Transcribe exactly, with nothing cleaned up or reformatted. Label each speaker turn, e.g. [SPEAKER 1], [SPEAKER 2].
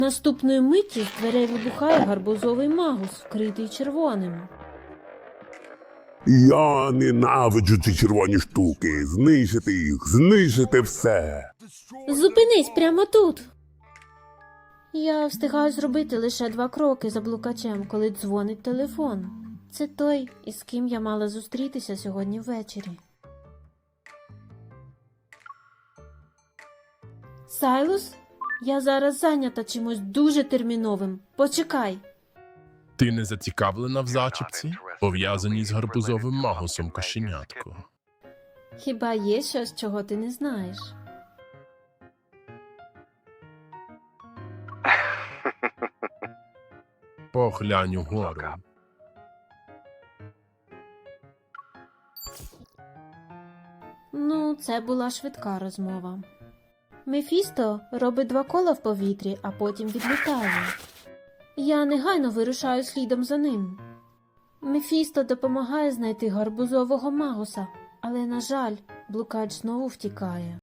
[SPEAKER 1] Наступної миті з дверей вибухає гарбузовий магус, вкритий червоним.
[SPEAKER 2] Я ненавиджу ці червоні штуки. Знищити їх, знищити все.
[SPEAKER 1] Зупинись прямо тут. Я встигаю зробити лише два кроки за блукачем, коли дзвонить телефон. Це той, із ким я мала зустрітися сьогодні ввечері. Сайлус? Я зараз зайнята чимось дуже терміновим. Почекай.
[SPEAKER 3] Ти не зацікавлена в зачіпці, пов'язаній з гарбузовим магусом кошенятко?
[SPEAKER 1] Хіба є щось, чого ти не знаєш?
[SPEAKER 3] Поглянь угору.
[SPEAKER 1] Ну, це була швидка розмова. Мефісто робить два кола в повітрі, а потім відлітає. Я негайно вирушаю слідом за ним. Мефісто допомагає знайти гарбузового магуса, але, на жаль, блукач знову втікає.